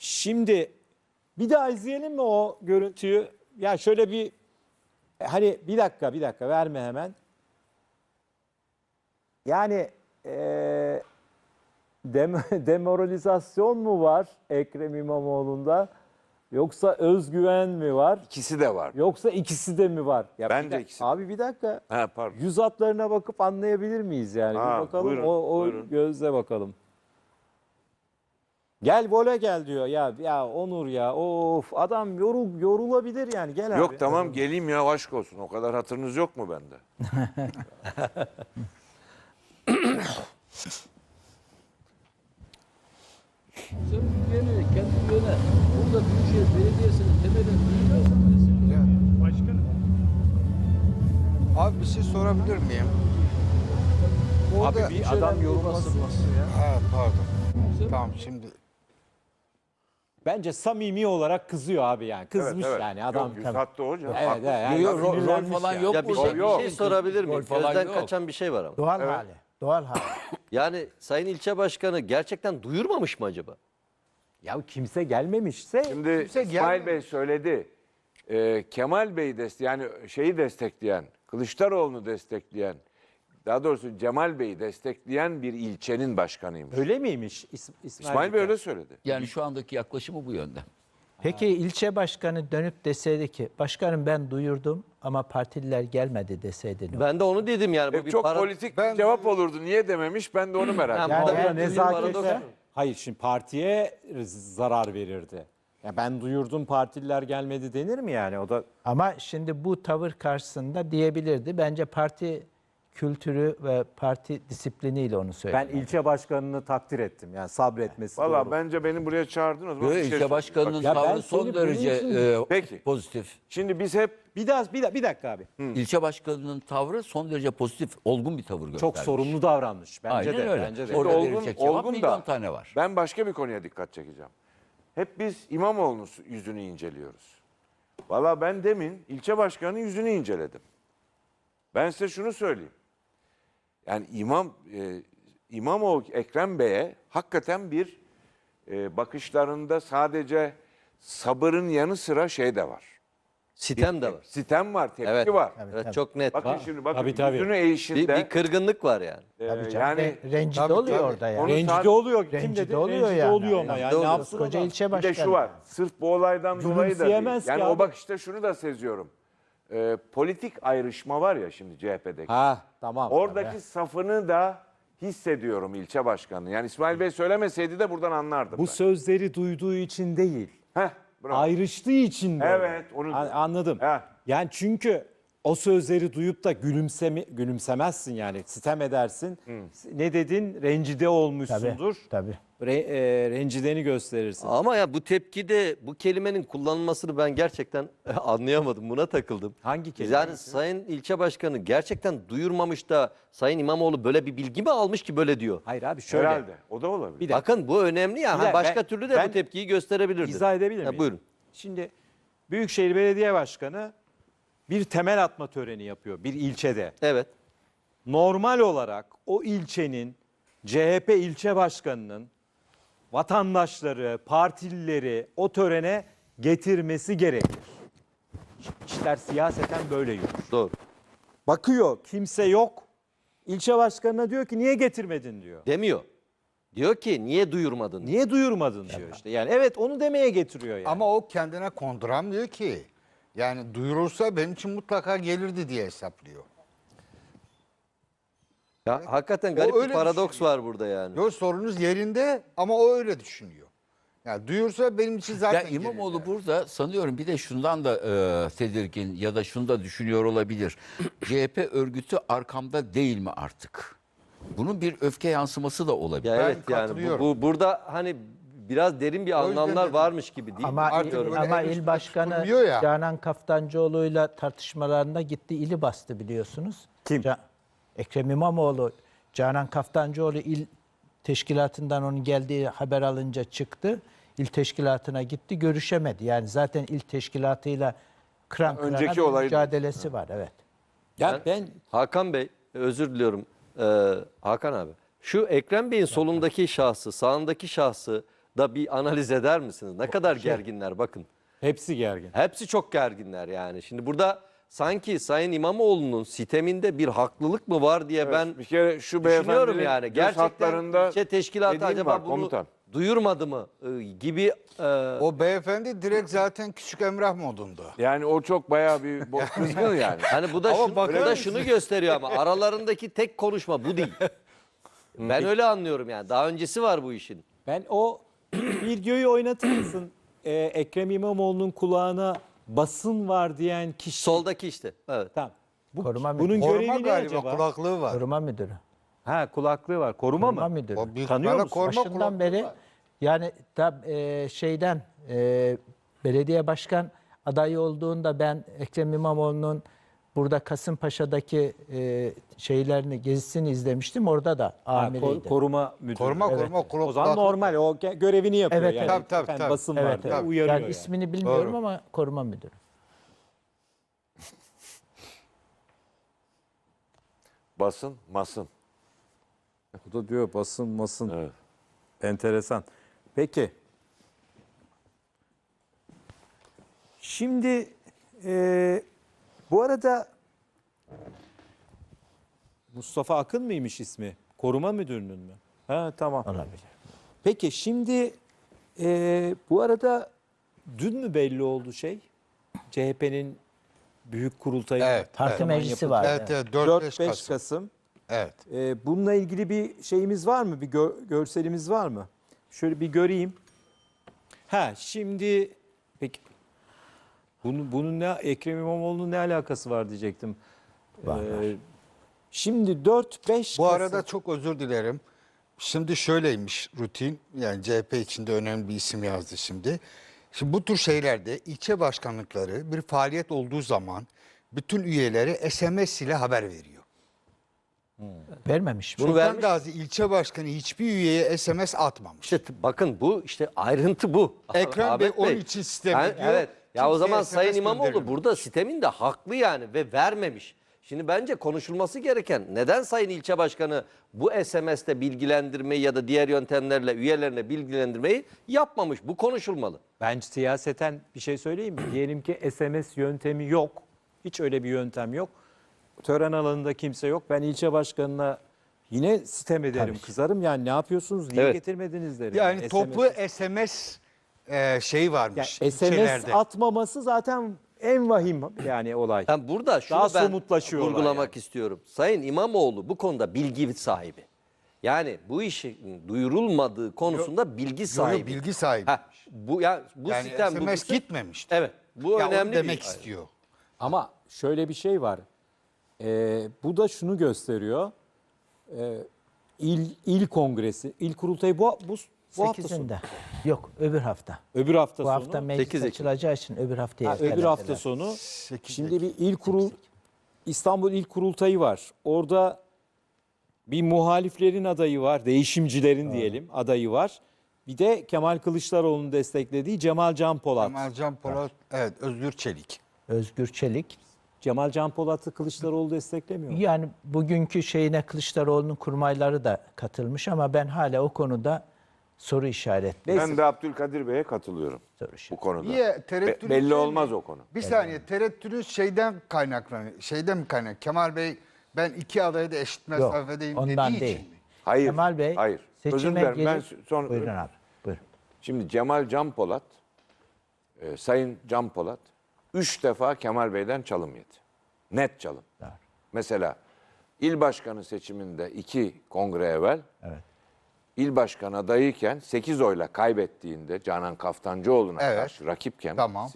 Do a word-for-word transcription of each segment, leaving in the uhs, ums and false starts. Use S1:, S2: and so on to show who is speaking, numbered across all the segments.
S1: Şimdi bir daha izleyelim mi o görüntüyü? Ya şöyle bir hani bir dakika bir dakika verme hemen. Yani eee dem demoralizasyon mu var Ekrem İmamoğlu'nda? Yoksa özgüven mi var?
S2: İkisi de var.
S1: Yoksa ikisi de mi var? Ya
S2: Bence
S1: bir dak-
S2: ikisi de.
S1: Abi bir dakika.
S2: Ha, pardon.
S1: Yüz hatlarına bakıp anlayabilir miyiz yani?
S2: Ha,
S1: bir bakalım
S2: buyurun,
S1: o, o
S2: buyurun.
S1: gözle bakalım. Gel vole gel diyor. Ya ya Onur ya. Of adam yorul yorulabilir yani. Gel abi.
S2: Yok tamam geleyim ya, aşk olsun. O kadar hatırınız yok mu bende?
S3: Sen ülkenin kendi yöne, burada Büyükşehir Belediyesi'nin temelini duyuyorsan
S4: Başkanım.
S5: Abi bir şey sorabilir miyim? Orada-
S1: Abi bir adam yorulmasın.
S5: Ha, pardon. Tamam şimdi
S1: Bence samimi olarak kızıyor abi yani. Kızmış yani adam.
S2: Yok, yüz hatta hocam.
S1: Evet,
S2: Haklısın.
S1: evet, yani
S3: Yok, rol- rol
S1: sinirlenmiş
S3: falan
S1: yani.
S3: yok.
S6: Ya bir
S3: burada.
S6: şey, bir
S2: yok.
S6: şey sorabilir miyim?
S3: Rol falan
S6: Gözden
S3: yok.
S6: kaçan bir şey var ama.
S7: Doğal hali. Doğal hali.
S6: Yani Sayın İlçe Başkanı gerçekten duyurmamış mı acaba?
S1: Ya kimse gelmemişse
S2: Şimdi
S5: Kimse
S2: İsmail
S5: gelmiyor.
S2: Bey söyledi. Ee, Kemal Bey'i destek, yani şeyi destekleyen, Kılıçdaroğlu'nu destekleyen, daha doğrusu Cemal Bey'i destekleyen bir ilçenin başkanıymış.
S1: öyle miymiş İs- İsmail,
S2: İsmail Bey
S1: Bey?
S2: öyle söyledi.
S3: Yani şu andaki yaklaşımı bu yönde.
S7: Peki ilçe başkanı dönüp deseydi ki başkanım ben duyurdum ama partililer gelmedi deseydi ne olur?
S6: Ben de onu dedim yani. Bu
S2: Hep
S6: bir
S2: çok
S6: para...
S2: politik
S5: Ben-
S2: bir cevap olurdu. Niye dememiş? Ben de onu merak
S6: Ha,
S2: ettim.
S1: Yani
S6: Vallahi
S1: orada
S6: bir
S1: nezakete,
S6: paradoks.
S1: hayır şimdi partiye zarar verirdi. Ya ben duyurdum partililer gelmedi denir mi yani? O da
S7: Ama şimdi bu tavır karşısında diyebilirdi. Bence parti kültürü ve parti disipliniyle onu
S1: ben
S7: söyledi.
S1: ilçe başkanını takdir ettim. Yani sabretmesi
S2: Valla
S1: doğru.
S2: bence beni buraya çağırdın o zaman.
S3: Böyle
S2: bir şey
S3: ilçe
S2: söyleyeyim.
S3: başkanının
S1: Ya ben
S3: tavrı
S1: seni
S3: son
S1: bunun
S3: derece
S1: için-
S3: e,
S2: Peki.
S3: pozitif.
S2: Şimdi biz hep
S1: Bir daha bir, da- bir dakika abi.
S3: İlçe başkanının tavrı son derece pozitif, olgun bir tavır göstermiş.
S1: Çok sorumlu davranmış bence
S3: Aynen
S1: de.
S3: öyle.
S1: Bence de.
S3: Orada
S2: olgun,
S3: verilecek cevap
S2: olgun
S3: milyon
S2: da
S3: tane var.
S2: ben başka bir konuya dikkat çekeceğim. Hep biz İmamoğlu'nun yüzünü inceliyoruz. Valla ben demin ilçe başkanının yüzünü inceledim. Ben size şunu söyleyeyim. Yani İmam e, İmamoğlu Ekrem Bey'e hakikaten bir e, bakışlarında sadece sabırın yanı sıra şey de var.
S6: Sitem de var.
S2: Sitem var, tepki
S6: Evet.
S2: var.
S6: Evet, çok net.
S2: Bakın şimdi bakın
S1: Tabii, tabii.
S2: yüzünü
S6: Bir,
S2: eğişinde.
S6: bir kırgınlık var yani.
S2: e,
S7: Tabii canım.
S2: yani
S7: Re- rencide
S5: Tabii,
S7: oluyor
S5: tabii.
S7: orada yani.
S2: Onu
S1: Rencide
S2: sadece-
S1: oluyor. Kim
S7: Rencide
S1: dedi?
S7: oluyor
S1: Rencide
S7: yani.
S1: oluyor ama
S7: Yani
S1: yani
S6: doğru.
S1: ne yapsın
S7: Koca
S1: adam?
S7: ilçe
S2: bir
S7: başkanı.
S2: de şu var. Sırf bu olaydan dolayı da değil.
S1: Gülümseyemez ki
S2: Yani
S1: abi.
S2: o bakışta şunu da seziyorum. E, politik ayrışma var ya şimdi C H P'deki.
S1: Ha tamam.
S2: Oradaki safını da hissediyorum ilçe başkanı. Yani İsmail Bey söylemeseydi de buradan anlardım
S1: Bu
S2: ben.
S1: sözleri duyduğu için değil.
S2: Heh, bravo.
S1: Ayrıştığı için böyle.
S2: Evet, onu-
S1: A- anladım.
S2: Heh.
S1: Yani çünkü o sözleri duyup da gülümseme, gülümsemezsin yani. Sitem edersin. Ne dedin? Rencide olmuşsundur.
S7: Tabii.
S1: Re, e, rencideni gösterirsin.
S6: Ama ya bu tepkide bu kelimenin kullanılmasını ben gerçekten anlayamadım. Buna takıldım.
S1: Hangi kelime?
S6: Yani Sayın İlçe Başkanı gerçekten duyurmamış da Sayın İmamoğlu böyle bir bilgi mi almış ki böyle diyor?
S1: Hayır abi şöyle.
S2: Herhalde. O da olabilir.
S1: Bir dakika.
S6: Bakın bu önemli ya.
S1: Bir
S6: Ha,
S1: dakika,
S6: başka
S1: ben-
S6: türlü de
S1: ben
S6: bu tepkiyi gösterebilirdi.
S1: İzah edebilir
S6: Ha,
S1: miyim?
S6: buyurun.
S1: Şimdi Büyükşehir Belediye Başkanı bir temel atma töreni yapıyor bir ilçede.
S6: Evet.
S1: Normal olarak o ilçenin C H P ilçe başkanının vatandaşları, partilileri o törene getirmesi gerekir. İşler siyaseten böyle yürür.
S6: Doğru.
S1: Bakıyor kimse yok. İlçe başkanına diyor ki niye getirmedin diyor.
S6: Demiyor. Diyor ki niye duyurmadın?
S1: Niye duyurmadın diyor işte. Yani evet onu demeye getiriyor yani.
S5: ama o kendine konduramıyor ki. Yani duyurursa benim için mutlaka gelirdi diye hesaplıyor.
S6: Ya hakikaten
S5: O
S6: garip bir
S5: öyle
S6: paradoks
S5: düşünüyor.
S6: var burada yani.
S5: Yok, sorunuz yerinde ama o öyle düşünüyor. Yani duyursa benim için zaten
S3: Ya İmamoğlu
S5: gelirdi.
S3: burada sanıyorum bir de şundan da e, tedirgin ya da şunu da düşünüyor olabilir. C H P örgütü arkamda değil mi artık? Bunun bir öfke yansıması da olabilir.
S6: Ya
S5: Ben
S6: evet yani bu,
S5: katılıyorum.
S6: bu burada hani biraz derin bir
S5: O yüzden
S6: anlamlar
S5: dedim.
S6: varmış gibi değil mi?
S7: Ama,
S5: Artık
S7: il,
S5: böyle
S7: ama
S5: el
S7: il
S5: üstünde
S7: başkanı
S5: tutulmuyor ya.
S7: Canan Kaftancıoğlu'yla tartışmalarında gitti ili bastı biliyorsunuz.
S1: Kim?
S7: Ca- Ekrem İmamoğlu, Canan Kaftancıoğlu il teşkilatından onun geldiği haber alınca çıktı. İl teşkilatına gitti, görüşemedi. Yani zaten il teşkilatıyla kıran kırana
S2: Önceki
S7: bir
S2: olaydı.
S7: mücadelesi var. Evet.
S1: ya ben
S6: Hakan Bey, özür diliyorum. Ee, Hakan abi. Şu Ekrem Bey'in solundaki şahsı, sağındaki şahsı da bir analiz eder misiniz? Ne kadar gerginler bakın.
S1: Hepsi gergin.
S6: Hepsi çok gerginler yani. Şimdi burada sanki Sayın İmamoğlu'nun siteminde bir haklılık mı var diye ben
S2: bir kere şu
S6: düşünüyorum
S2: beyefendinin
S6: yani.
S2: göz
S6: Gerçekten
S2: hatlarında
S6: ilçe teşkilatı
S2: dediğim
S6: acaba
S2: var,
S6: bunu
S2: komutan.
S6: duyurmadı mı e, gibi e,
S5: O beyefendi direkt zaten küçük Emrah modunda.
S2: Yani o çok bayağı bir bo- kızgın yani.
S6: hani bu da,
S5: Ama
S6: şunu,
S5: bakar
S6: bu da
S5: mısın?
S6: şunu gösteriyor ama aralarındaki tek konuşma bu değil. Ben öyle anlıyorum yani. Daha öncesi var bu işin.
S1: Ben o videoyu oynatır mısın? Ee, Ekrem İmamoğlu'nun kulağına basın var diyen kişi.
S6: Soldaki işte. Evet.
S1: Tamam. Bu,
S7: Koruma
S1: bunun
S7: müdürü.
S1: görevi
S5: Koruma
S1: ne
S5: galiba
S1: acaba?
S5: kulaklığı var.
S7: Koruma müdürü.
S1: Ha, kulaklığı var. Koruma,
S7: Koruma
S1: mı?
S7: müdürü.
S5: O büyük
S1: Tanıyor
S5: ihtimalle
S1: musun?
S5: koruma
S7: Başından
S5: kulaklığı
S7: beri
S5: var.
S7: yani tab, e, şeyden e, belediye başkan adayı olduğunda ben Ekrem İmamoğlu'nun burada Kasımpaşa'daki e, şeylerini gezisini izlemiştim. Orada da
S1: Ha,
S7: amiriydi.
S1: ko- koruma müdürü.
S5: Koruma
S1: Evet.
S5: koruma kulak.
S1: O zaman normal. O ge- görevini yapıyor
S7: Evet,
S1: yani.
S7: evet.
S5: Tabii, tabii,
S1: Efendim,
S5: tabii.
S1: basın var
S7: Evet,
S1: diye
S7: evet.
S1: uyarıyor
S7: Yani
S1: yani.
S7: ismini bilmiyorum
S5: Doğru.
S7: ama koruma müdürü.
S2: Basın, masın.
S1: O da diyor basın masın.
S2: Evet.
S1: Enteresan. Peki. Şimdi e, bu arada Mustafa Akın mıymış ismi? Koruma müdürünün mü? Ha, tamam.
S7: Olabilir.
S1: Peki şimdi e, bu arada dün mü belli oldu şey? C H P'nin büyük kurultayı
S5: Evet,
S7: Parti
S5: evet.
S7: meclisi var.
S5: Evet, evet, dört
S1: dört
S5: beş
S1: beş
S5: Kasım.
S1: Kasım.
S5: Evet.
S1: E, bununla ilgili bir şeyimiz var mı? Bir gö- görselimiz var mı? Şöyle bir göreyim. Ha, şimdi peki bunun, bunun ne Ekrem İmamoğlu'nun ne alakası var diyecektim. Ee, şimdi dört beş
S5: Bu
S1: Kasım.
S5: arada çok özür dilerim. Şimdi şöyleymiş rutin. Yani C H P içinde önemli bir isim yazdı şimdi. Şimdi bu tür şeylerde ilçe başkanlıkları bir faaliyet olduğu zaman bütün üyeleri S M S ile haber veriyor.
S7: Vermemiş mi?
S6: Bunu
S5: Sultan
S6: vermiş.
S5: Gazi ilçe başkanı hiçbir üyeye S M S atmamış.
S6: İşte t- bakın bu işte ayrıntı bu.
S5: Ekrem
S6: Ahmet
S5: Bey onun için sistem
S6: Ha,
S5: ediyor.
S6: Evet. Ya o
S5: Kimseye
S6: zaman
S5: S M S
S6: Sayın İmamoğlu
S5: göndermemiş.
S6: burada sistemin de haklı yani ve vermemiş. Şimdi bence konuşulması gereken neden Sayın İlçe Başkanı bu S M S'te bilgilendirmeyi ya da diğer yöntemlerle üyelerine bilgilendirmeyi yapmamış. Bu konuşulmalı.
S1: Ben siyaseten bir şey söyleyeyim mi? Diyelim ki S M S yöntemi yok. Hiç öyle bir yöntem yok. Tören alanında kimse yok. Ben ilçe başkanına yine sitem ederim, kızarım. Yani ne yapıyorsunuz? Niye
S6: Evet.
S1: getirmediniz derim.
S5: Yani
S1: S M S
S5: toplu S M S e, şeyi
S1: yani
S5: varmış
S1: S M S
S5: ilçelerde.
S1: atmaması zaten en vahim yani olay.
S6: Ben burada şunu
S1: Daha
S6: ben
S1: somutlaşıyorlar
S6: vurgulamak
S1: yani.
S6: istiyorum. Sayın İmamoğlu bu konuda bilgi sahibi. Yani bu işin duyurulmadığı konusunda bilgi sahibi.
S5: bilgi sahibi.
S6: Ha, bu ya bu
S5: Yani
S6: sistem
S5: S
S6: bu
S5: M S
S6: sistem-
S5: gitmemişti.
S6: Evet. Bu
S5: Ya onu
S6: önemli
S5: demek
S6: bir
S5: istiyor.
S1: Ama şöyle bir şey var. Ee, bu da şunu gösteriyor. Ee, il, il kongresi, il kurultayı bu, bu, bu hafta sonu.
S7: sekizinde. Yok, öbür hafta.
S1: Öbür hafta
S7: Bu
S1: sonu.
S7: hafta meclis
S6: sekiz Ekim.
S7: açılacağı için öbür haftaya
S1: Ha, öbür
S7: ertelediler.
S1: hafta sonu.
S5: sekiz
S1: Şimdi bir il kurul İstanbul İl Kurultayı var. Orada bir muhaliflerin adayı var, değişimcilerin diyelim adayı var. Bir de Kemal Kılıçdaroğlu'nun desteklediği Cemal Can Polat.
S5: Kemal Can Polat, evet Özgür Çelik.
S7: Özgür Çelik.
S1: Cemal Can Polat'ı Kılıçdaroğlu desteklemiyor mu?
S7: Yani bugünkü şeyine Kılıçdaroğlu'nun kurmayları da katılmış ama ben hala o konuda soru işaretli.
S1: Neyse.
S2: Ben de Abdülkadir Bey'e katılıyorum
S7: Soru
S2: bu
S7: işareti.
S2: konuda.
S5: Niye? Tereddüt
S2: Be- belli
S5: şey
S2: olmaz
S5: mi?
S2: o konu.
S5: Bir saniye tereddütünüz şeyden kaynaklanıyor. Şeyden mi kaynaklanıyor? Kemal Bey ben iki adayı da eşit
S7: Yok,
S5: mesafedeyim
S7: ondan
S5: dediği
S7: değil.
S5: için mi?
S2: Hayır.
S7: Kemal Bey
S2: hayır. Özür
S7: seçime
S2: dilerim. Ben
S7: gelip...
S2: sonra
S7: Buyurun abi, buyurun.
S2: Şimdi Cemal Can Polat, e, Sayın Can Polat üç defa Kemal Bey'den çalım yedi. Net çalım.
S7: Evet.
S2: Mesela il başkanı seçiminde iki kongre evvel
S7: Evet.
S2: il başkanı adayıyken sekiz oyla kaybettiğinde Canan Kaftancıoğlu'na
S5: Evet.
S2: karşı rakip kendisi
S5: Tamam.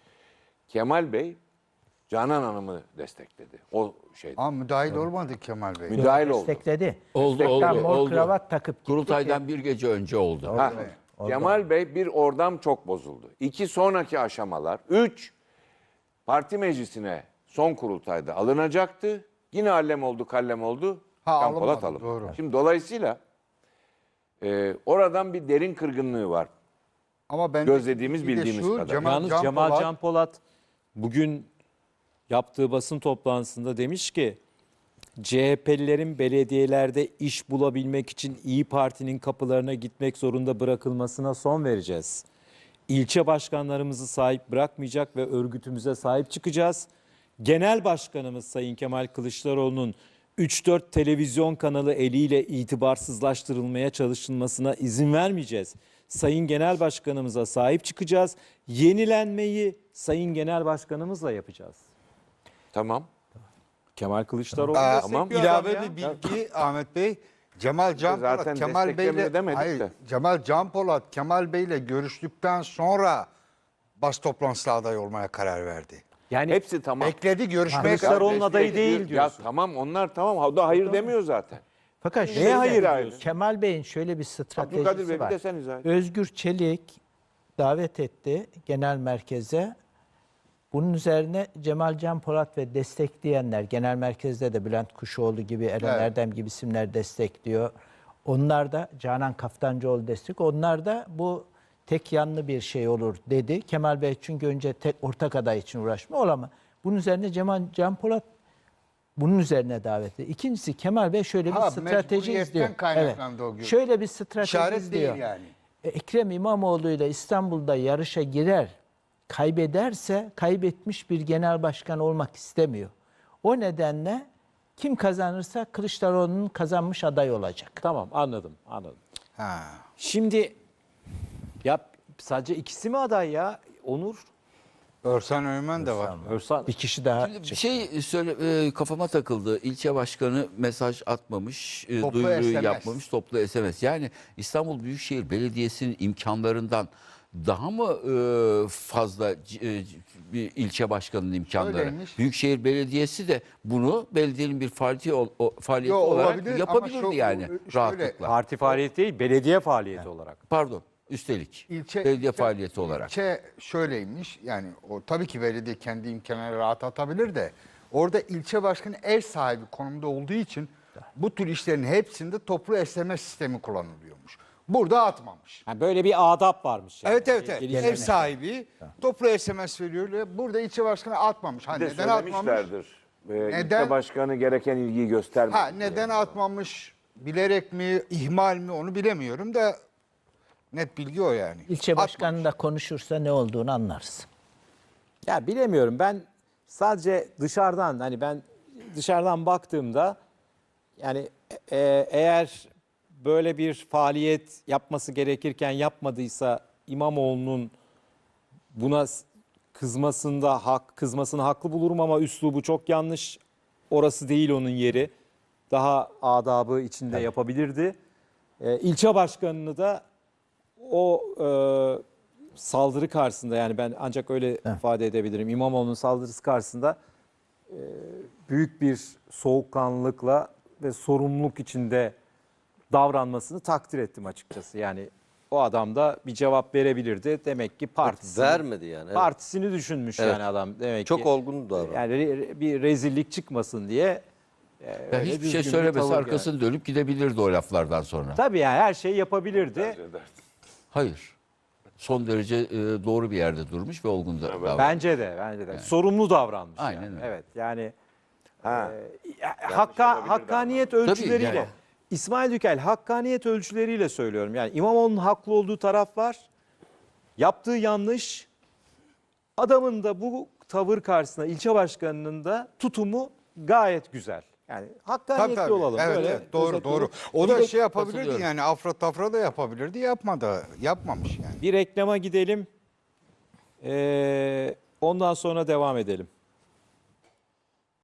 S2: Kemal Bey Canan Hanım'ı destekledi. O şeyde.
S5: Ama müdahil olmadı Kemal Bey.
S2: Müdahil oldu.
S7: Destekledi.
S3: Oldu,
S7: Hatta
S3: oldu,
S7: mor
S3: oldu.
S7: kravat takıp gitti
S3: Kurultaydan
S7: ki-
S3: bir gece önce oldu.
S2: Ha,
S7: Oldu.
S2: Kemal Bey bir oradan çok bozuldu. İki sonraki aşamalar. Üç, parti meclisine son kurultayda alınacaktı. Yine allem oldu kallem oldu.
S5: Ha,
S2: Can Polat
S5: alınmadı,
S2: alınmadı.
S5: doğru.
S2: Şimdi dolayısıyla e, oradan bir derin kırgınlığı var.
S5: Ama ben
S2: Gözlediğimiz,
S5: bir de
S2: bildiğimiz
S5: şu,
S2: kadar.
S5: Cemal
S1: Yalnız
S5: Can
S1: Cemal
S5: Polat-
S1: Can Polat bugün yaptığı basın toplantısında demiş ki C H P'lilerin belediyelerde iş bulabilmek için İyi Parti'nin kapılarına gitmek zorunda bırakılmasına son vereceğiz. İlçe başkanlarımızı sahip bırakmayacak ve örgütümüze sahip çıkacağız. Genel Başkanımız Sayın Kemal Kılıçdaroğlu'nun üç dört televizyon kanalı eliyle itibarsızlaştırılmaya çalışılmasına izin vermeyeceğiz. Sayın Genel Başkanımıza sahip çıkacağız. Yenilenmeyi Sayın Genel Başkanımızla yapacağız.
S2: Tamam.
S1: Kemal Kılıçdaroğlu
S5: Aa,
S1: destekliyor adam
S5: ilave
S1: ya.
S5: bir bilgi Ahmet Bey. Cemal Can
S2: Zaten
S5: Polat, Kemal
S2: desteklemiyor
S5: Bey'le
S2: demedik
S5: hayır,
S2: de.
S5: Cemal Can Polat, Kemal Bey'le görüştükten sonra bas toplantısına aday olmaya karar verdi.
S1: Yani
S2: Hepsi tamam.
S5: Bekledi görüşmeye
S1: Kılıçdaroğlu'nun
S5: karar
S1: adayı
S2: Destek-
S1: değil
S2: Ya
S1: diyorsun.
S2: tamam onlar tamam. O da hayır demiyor zaten.
S7: Fakat
S1: Neye
S7: şöyle,
S1: hayır
S2: diyorsun?
S7: Kemal Bey'in şöyle bir
S2: Abdülkadir Bey
S7: stratejisi
S2: bir
S7: var.
S2: de sen izah et.
S7: Özgür Çelik davet etti genel merkeze. Bunun üzerine Cemal Can Polat ve destekleyenler, genel merkezde de Bülent Kuşoğlu gibi, Eren
S5: Evet.
S7: Erdem gibi isimler destekliyor. Onlar da, Canan Kaftancıoğlu destek, onlar da bu tek yanlı bir şey olur dedi. Kemal Bey çünkü önce tek ortak aday için uğraşma ol ama bunun üzerine Cemal Can Polat bunun üzerine davet etti. İkincisi Kemal Bey şöyle bir
S5: Ha,
S7: strateji
S5: mecburiyetten
S7: izliyor.
S5: kaynaklandı o gün.
S7: Şöyle bir strateji
S5: İşaret
S7: izliyor.
S5: değil yani.
S7: E, Ekrem İmamoğlu ile İstanbul'da yarışa girer, kaybederse kaybetmiş bir genel başkan olmak istemiyor. O nedenle kim kazanırsa Kılıçdaroğlu'nun kazanmış aday olacak.
S1: Tamam, anladım anladım.
S5: Ha.
S1: Şimdi ya sadece ikisi mi aday ya? Onur,
S5: Örsan Öğmen de var.
S1: Örsan.
S7: Bir kişi daha
S3: Şimdi bir
S7: çıktı.
S3: şey söyle e, kafama takıldı. İlçe başkanı mesaj atmamış, e,
S5: Toplu
S3: duyuruyu
S5: S M S.
S3: yapmamış, toplu S M S. Yani İstanbul Büyükşehir Belediyesi'nin imkanlarından daha mı e, fazla c- e, c- bir ilçe başkanının imkanları?
S5: Öyleymiş.
S3: Büyükşehir Belediyesi de bunu belediyenin bir faaliyeti, ol- o, faaliyeti
S5: Yo,
S3: olarak
S5: olabilir ama
S3: yapabilirdi
S5: şu-
S3: yani
S5: şöyle-
S3: rahatlıkla.
S1: Parti faaliyeti değil, belediye faaliyeti olarak.
S3: Pardon, üstelik
S5: İlçe,
S3: belediye
S5: ilçe-
S3: faaliyeti olarak.
S5: İlçe şöyleymiş yani o tabii ki belediye kendi imkanları rahat atabilir de orada ilçe başkanı ev sahibi konumda olduğu için bu tür işlerin hepsinde toplu S M S sistemi kullanılıyormuş. Burada atmamış.
S1: Yani böyle bir adap varmış. Yani.
S5: Evet evet evet.
S1: Gelişme.
S5: Ev sahibi toplu S M S veriyor. ve Burada ilçe başkanı atmamış. Ha,
S2: Bir de
S5: neden atmamış?
S2: söylemişlerdir. Ee,
S5: Neden?
S2: İlçe başkanı gereken ilgiyi göstermedi.
S5: Ha, neden atmamış? Bilerek mi, ihmal mi onu bilemiyorum da net bilgi o yani.
S7: İlçe
S5: Atmamış.
S7: başkanı da konuşursa ne olduğunu anlarız.
S1: Ya bilemiyorum, ben sadece dışarıdan, hani ben dışarıdan baktığımda yani e- eğer böyle bir faaliyet yapması gerekirken yapmadıysa İmamoğlu'nun buna s- kızmasında hak kızmasını haklı bulurum ama üslubu çok yanlış. Orası değil onun yeri. Daha adabı içinde yapabilirdi. E, ilçe başkanını da o e, saldırı karşısında, yani ben ancak öyle ifade edebilirim. İmamoğlu'nun saldırısı karşısında e, büyük bir soğukkanlılıkla ve sorumluluk içinde davranmasını takdir ettim açıkçası. Yani o adam da bir cevap verebilirdi. Demek ki partisini,
S6: Vermedi yani. Evet.
S1: partisini düşünmüş
S6: Evet.
S1: yani adam. Demek
S6: Çok
S1: ki
S6: olgun davrandı.
S1: yani re- bir rezillik çıkmasın diye e,
S3: Ya
S1: öyle
S3: hiçbir
S1: düzgün
S3: şey
S1: bir
S3: söylemese
S1: tavır
S3: arkasını dönüp gidebilirdi o laflardan sonra.
S1: yani. Tabii yani her şeyi yapabilirdi.
S3: Hayır. Son derece e, doğru bir yerde durmuş ve olgun da davranmış.
S1: Bence de, bence de. Sorumlu davranmış.
S3: Aynen
S1: yani.
S3: öyle.
S1: Evet, yani
S2: Ha.
S1: e, hakka, hakkaniyet ölçüleriyle,
S3: yani.
S1: İsmail Dükel hakkaniyet ölçüleriyle söylüyorum. Yani İmamoğlu'nun haklı olduğu taraf var. Yaptığı yanlış. Adamın da bu tavır karşısında ilçe başkanının da tutumu gayet güzel. Yani hakkaniyetli
S5: Tabii, tabii.
S1: olalım.
S5: Evet,
S1: Böyle
S5: evet, doğru
S1: özetle-
S5: doğru. O
S3: Bir
S5: da
S3: de
S5: şey yapabilirdi
S3: katılıyorum.
S5: yani afra tafra da yapabilirdi. Yapmadı. Yapmamış yani.
S1: Bir reklama gidelim. Ee, ondan sonra devam edelim.